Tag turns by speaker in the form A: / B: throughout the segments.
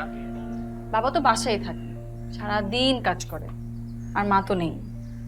A: বাবা তো বাসায় থাকে, সারাদিন কাজ করে, আর মা তো নেই।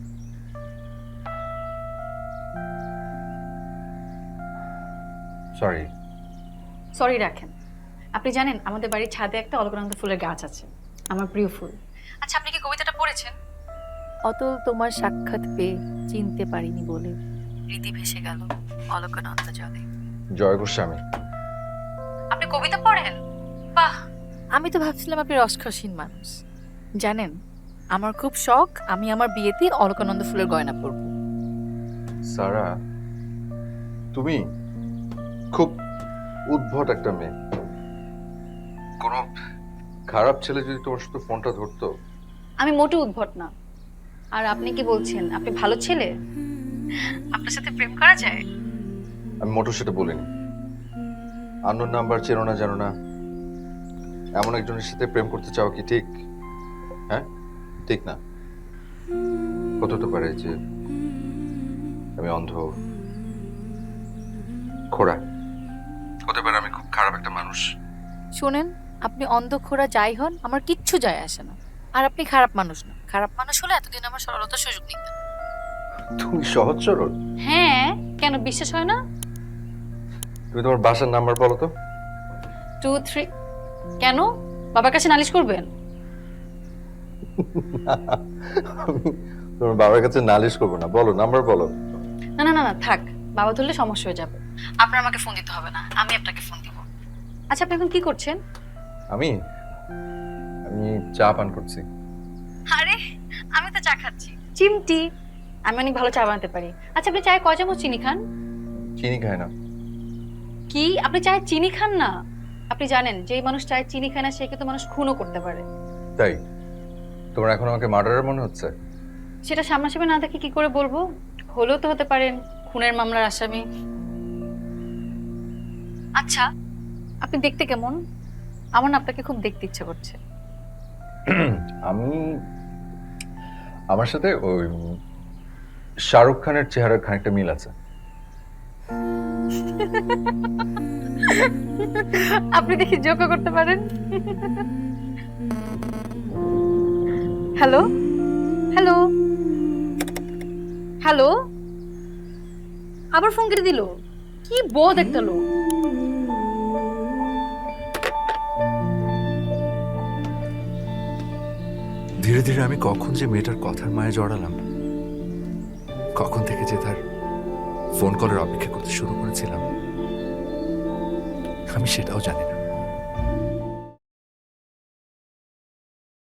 B: সরি।
A: সরি রাখেন। আপনি জানেন আমাদের বাড়ির ছাদে একটা অলকানন্দা ফুলের গাছ আছে, আমার প্রিয় ফুল। আচ্ছা, আপনি কি কবিতাটা পড়েছেন?
C: অতল তোমার সাক্ষাৎ পেয়ে চিনতে পারিনি বলে রীতি ভেসে গেল অলকানন্দা জলে।
B: জয় গোস্বামী।
A: আপনি কবিতা পড়েন? বাহ।
C: আমি তো ভাবছিলাম আপনি রসখসীন মানুষ। জানেন, আমার খুব শখ আমি আমার বিয়েতে অলকানন্দা ফুলের গয়না পরব।
B: সারা, তুমি খুব উদ্ভট একটা মেয়ে। কোনো খারাপ ছেলে যদি তোমার সাথে ফোনটা ধরতো।
A: আমি মোটেও উদ্ভট না। আর আপনি কি বলছেন আপনি ভালো ছেলে? আপনার সাথে প্রেম করা যায়?
B: আমি মোটেও সেটা বলিনি। আননোন নাম্বার, চেনো না জানো না এমন একজনের সাথে প্রেম করতে চাও কি ঠিক? হ্যাঁ, ঠিক না। হতে তো পারে যে আমি অন্ধ, খোড়া, হতে পারে আমি খুব খারাপ একটা মানুষ।
C: শোনেন, আপনি অন্ধখোরা যাই হন আমার কিচ্ছু যায় আসে না। আর আপনি খারাপ মানুষ না। খারাপ মানুষ হলে এতদিন আমার সরলতার সুযোগ নিতেন।
B: তুমি সহজ সরল।
A: হ্যাঁ, কেন বিশ্বাস হয় না?
B: তুমি তোমার বাসার নাম্বার বলো তো।
A: 2 3। কেন, বাবার কাছে নালিশ করবেন?
B: আমি তোমার বাবার কাছে নালিশ করবো না, বলো নাম্বার বলো।
A: না না না না, থাক, বাবা ধরলে সমস্যা হয়ে যাবে। আপনার আমাকে ফোন দিতে হবে না, আমি আপনাকে ফোন দিব। আচ্ছা, আপনি এখন কি করছেন?
B: আমি আমি চা পান করছি।
A: আরে, আমি তো চা খাচ্ছি। চিমটি, আমি অনেক ভালো চা বানাতে পারি। আচ্ছা, আপনি চায়ে কয় চামচ চিনি খান?
B: চিনি খায় না।
A: কি, আপনি চায়ে চিনি খান না? আপনি জানেন যেই মানুষ চায়ে চিনি খায় না সে কিন্তু মানুষ খুনও করতে পারে।
B: তাই তোমার এখন আমাকে মার্ডারার মনে হচ্ছে?
A: সেটা সামনাসামনি না দেখে কি করে বলবো? হলেও তো হতে পারেন খুনের মামলার আসামি। আচ্ছা, আপনি দেখতে কেমন? আমার না আপনাকে খুব দেখতে ইচ্ছে করছে।
B: আমি আমার সাথে ওই শাহরুখ খানের চেহারার খানিকটা মিল আছে।
A: আপনি দেখি জোকও করতে পারেন। হ্যালো হ্যালো হ্যালো, আবার ফোন কেটে দিল। কি বোধ একটা লোক।
D: ধীরে ধীরে আমি কখন যে মেয়েটার কথার মায়ে জড়ালাম, কখন থেকে যে তার ফোন কলের অপেক্ষা করতে শুরু করেছিলাম, আমি সেটাও জানি না।